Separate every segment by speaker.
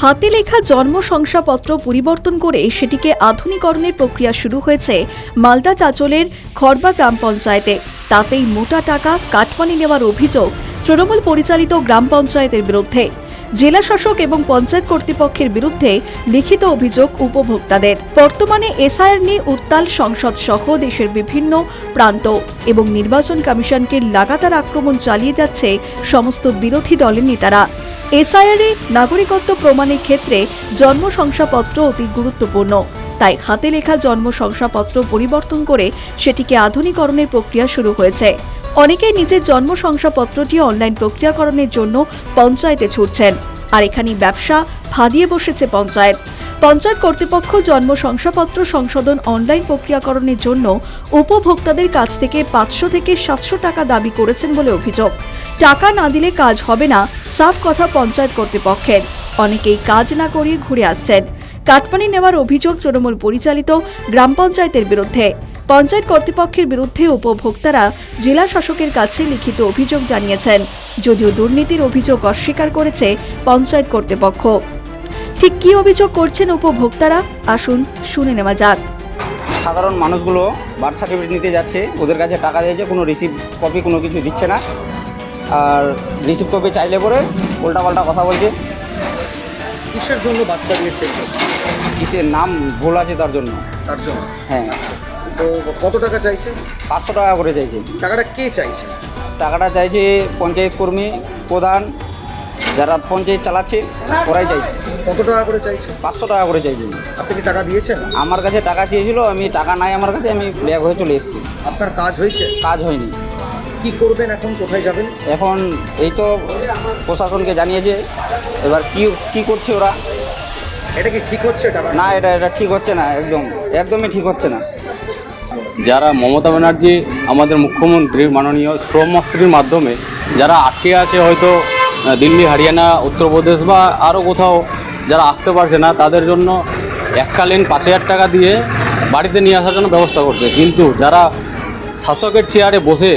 Speaker 1: হাতে লেখা জন্ম শংসাপত্র পরিবর্তন করে সেটিকে আধুনিকরণের প্রক্রিয়া শুরু হয়েছে মালদা চাঁচলের খড়বা গ্রাম পঞ্চায়েতে। তাতেই মোটা টাকা কাটমানি নেওয়ার অভিযোগ তৃণমূল পরিচালিত গ্রাম পঞ্চায়েতের বিরুদ্ধে। জেলা শাসক এবং পঞ্চায়েত কর্তৃপক্ষের বিরুদ্ধে লিখিত অভিযোগ উপভোক্তাদের। বর্তমানে এসআইআর নিয়ে উত্তাল সংসদ সহ দেশের বিভিন্ন প্রান্ত এবং নির্বাচন কমিশনকে লাগাতার আক্রমণ চালিয়ে যাচ্ছে সমস্ত বিরোধী দলের নেতারা। এসআইআর-এ নাগরিকত্ব প্রমাণের ক্ষেত্রে জন্ম শংসাপত্র অতি গুরুত্বপূর্ণ, তাই হাতে লেখা জন্ম শংসাপত্র পরিবর্তন করে সেটিকে আধুনিকরণের প্রক্রিয়া শুরু হয়েছে। অনেকেই নিজের জন্ম শংসাপত্রটি অনলাইন প্রক্রিয়াকরণের জন্য পঞ্চায়েতে ছুটছেন, আর এখানেই ব্যবসা ফাঁদিয়ে বসেছে পঞ্চায়েত। পঞ্চায়েত কর্তৃপক্ষ জন্ম শংসাপত্র সংশোধন অনলাইন প্রক্রিয়াকরণের জন্য উপভোক্তাদের কাছ থেকে 500 থেকে 700 টাকা দাবি করেছেন বলে অভিযোগ। টাকা না দিলে কাজ হবে না, সাফ কথা পঞ্চায়েত কর্তৃপক্ষের। অনেকেই কাজ না করিয়ে ঘুরে আসছেন। কাটমানি নেওয়ার অভিযোগ তৃণমূল পরিচালিত গ্রাম পঞ্চায়েতের বিরুদ্ধে। পঞ্চায়েত কর্তৃপক্ষের বিরুদ্ধে উপভোক্তারা জেলা শাসকের কাছে লিখিত অভিযোগ জানিয়েছেন, যদিও দুর্নীতির অভিযোগ অস্বীকার করেছে পঞ্চায়েত কর্তৃপক্ষ। ঠিক কি অভিযোগ করছেন উপভোক্তারা, আসুন শুনে নেওয়া যাক।
Speaker 2: সাধারণ মানুষগুলো বার্থ সার্টিফিকেট নিতে যাচ্ছে, ওদের কাছে টাকা দিয়েছে, কোনো রিসিভ কপি কোনো কিছু দিচ্ছে না, আর রিসিভ কপি চাইলে পরে উল্টাপাল্টা কথা বলছে।
Speaker 3: কিসের জন্য বার্থ সার্টিফিকেট চেক করছে?
Speaker 2: কিসের নাম ভুল আছে তার জন্য। হ্যাঁ।
Speaker 3: তো কত টাকা চাইছে?
Speaker 2: 500 টাকা করে চাইছে।
Speaker 3: টাকাটা কে চাইছে?
Speaker 2: টাকাটা চাইছে পঞ্চায়েত কর্মী, প্রধান, যারা পঞ্চায়েত চালাচ্ছে ওরাই চাইছে।
Speaker 3: কত টাকা করে চাইছে?
Speaker 2: 500 টাকা করে চাইছে।
Speaker 3: আপনি কি টাকা দিয়েছেন?
Speaker 2: আমার কাছে টাকা চেয়েছিল, আমি টাকা নাই আমার কাছে, আমি ব্যাগ হয়ে চলে এসেছি।
Speaker 3: আপনার কাজ হয়েছে?
Speaker 2: কাজ হয়নি।
Speaker 3: কি করবেন এখন? কোথায় যাবেন?
Speaker 2: এখন এই তো প্রশাসনকে জানিয়েছে, এবার কি করছে ওরা।
Speaker 3: এটা কি ঠিক হচ্ছে? টাকা
Speaker 2: না, এটা ঠিক হচ্ছে না, একদমই ঠিক হচ্ছে না।
Speaker 4: যারা মমতা ব্যানার্জি আমাদের মুখ্যমন্ত্রী মাননীয় শ্রমশ্রীর মাধ্যমে যারা আটকে আছে, হয়তো দিল্লি, হরিয়ানা, উত্তরপ্রদেশ বা আরও কোথাও যারা আসতে পারছে না, তাদের জন্য এককালীন 5000 টাকা দিয়ে বাড়িতে নিয়ে আসার জন্য ব্যবস্থা করছে। কিন্তু যারা শাসকের চেয়ারে বসে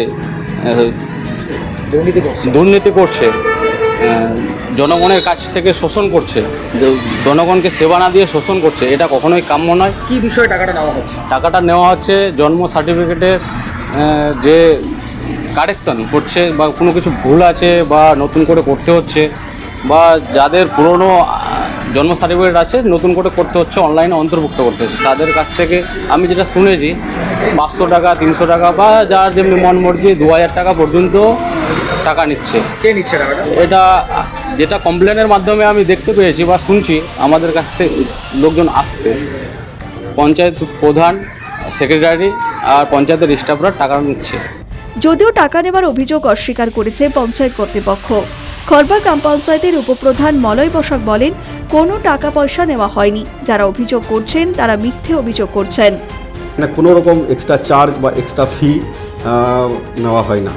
Speaker 4: দুর্নীতি করছে, জনগণের কাছ থেকে শোষণ করছে, জনগণকে সেবা না দিয়ে শোষণ করছে, এটা কখনোই কাম্য নয়।
Speaker 3: কি বিষয়ে টাকাটা নেওয়া হচ্ছে?
Speaker 4: টাকাটা নেওয়া হচ্ছে জন্ম সার্টিফিকেটের যে কারেকশন করছে বা কোনো কিছু ভুল আছে বা নতুন করে করতে হচ্ছে, বা যাদের পুরনো জন্ম সার্টিফিকেট আছে নতুন করে করতে হচ্ছে, অনলাইনে অন্তর্ভুক্ত করতে হচ্ছে, তাদের কাছ থেকে আমি যেটা শুনেছি 500 টাকা, 300 টাকা বা যার যেমনি মন মর্জি 2000 টাকা পর্যন্ত টাকা নিচ্ছে।
Speaker 3: কে নিচ্ছে টাকাটা?
Speaker 4: এটা যেটা কমপ্লেনের মাধ্যমে আমি দেখতে পেয়েছি বা শুনছি, আমাদের কাছ থেকে লোকজন আসছে, পঞ্চায়েত প্রধান, সেক্রেটারি আর পঞ্চায়েতের স্টাফরা টাকা নিচ্ছে।
Speaker 1: যদিও টাকা নেওয়ার অভিযোগ অস্বীকার করেছে পঞ্চায়েত কর্তৃপক্ষ। খড়বা গ্রাম পঞ্চায়েতের উপপ্রধান মলয় বসাক বলেন, কোনো টাকা পয়সা নেওয়া হয়নি। যারা অভিযোগ করছেন তারা মিথ্যে অভিযোগ করছেন।
Speaker 5: কোনো রকম এক্সট্রা চার্জ বা এক্সট্রা ফি নেওয়া হয় না।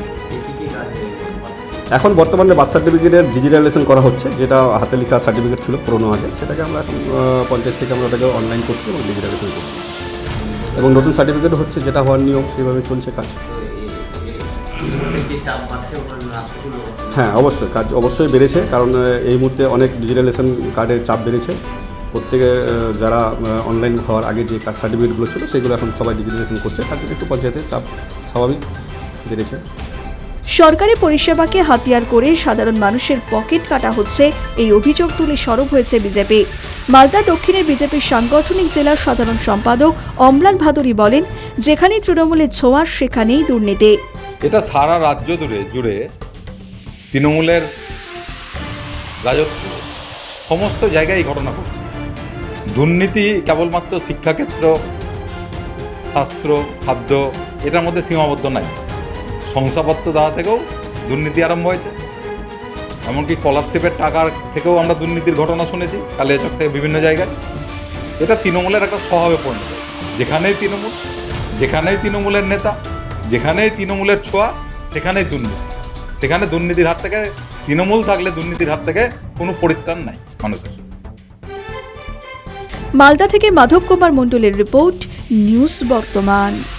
Speaker 5: এখন বর্তমানে বার্থ সার্টিফিকেটের ডিজিটালাইজেশন করা হচ্ছে, যেটা হাতে লেখা সার্টিফিকেট ছিল পুরোনো আগে, সেটাকে আমরা এখন পঞ্চায়েত থেকে আমরা ওটাকে অনলাইন করছি এবং ডিজিটালাইজেশন করছি, এবং নতুন সার্টিফিকেট হচ্ছে, যেটা হওয়ার নিয়ম সেভাবে চলছে কাজ। হ্যাঁ, অবশ্যই কাজ অবশ্যই বেড়েছে, কারণ এই মুহূর্তে অনেক ডিজিটালাইজেশন কার্ডের চাপ বেড়েছে। প্রত্যেকে যারা অনলাইন হওয়ার আগে যে সার্টিফিকেটগুলো ছিল সেগুলো এখন সবাই ডিজিটালাইজেশন করছে, তার জন্য একটু পঞ্চায়েতের চাপ স্বাভাবিক বেড়েছে।
Speaker 1: সরকারি পরিষেবাকে হাতিয়ার করে সাধারণ মানুষের পকেট কাটা হচ্ছে, এই অভিযোগ তুলে সরব হয়েছে বিজেপি। মালদা দক্ষিণের বিজেপির সাংগঠনিক জেলার সাধারণ সম্পাদক অম্লান ভাদুরী বলেন, যেখানেই তৃণমূলের ছোঁয়া সেখানেই দুর্নীতি।
Speaker 6: এটা সারা রাজ্য জুড়ে তৃণমূলের রাজত্ব, সমস্ত জায়গায় এই ঘটনা ঘটছে। দুর্নীতি কেবলমাত্র শিক্ষাক্ষেত্র, স্বাস্থ্য, খাদ্য এটার মধ্যে সীমাবদ্ধ নাই। শংসাপত্র দেওয়া থেকেও দুর্নীতি আরম্ভ হয়েছে, এমনকি স্কলারশিপের টাকার থেকেও আমরা দুর্নীতির ঘটনা শুনেছি কালিয়াচক থেকে বিভিন্ন জায়গায়। এটা তৃণমূলের একটা স্বভাবে পরিণত। যেখানেই তৃণমূলের নেতা, যেখানেই তৃণমূলের ছোঁয়া, সেখানেই দুর্নীতি। সেখানে দুর্নীতির হাত থেকে, তৃণমূল থাকলে দুর্নীতির হাত থেকে কোনো পরিত্রাণ নাই মানুষের।
Speaker 1: মালদা থেকে মাধব কুমার মণ্ডলের রিপোর্ট, নিউজ বর্তমান।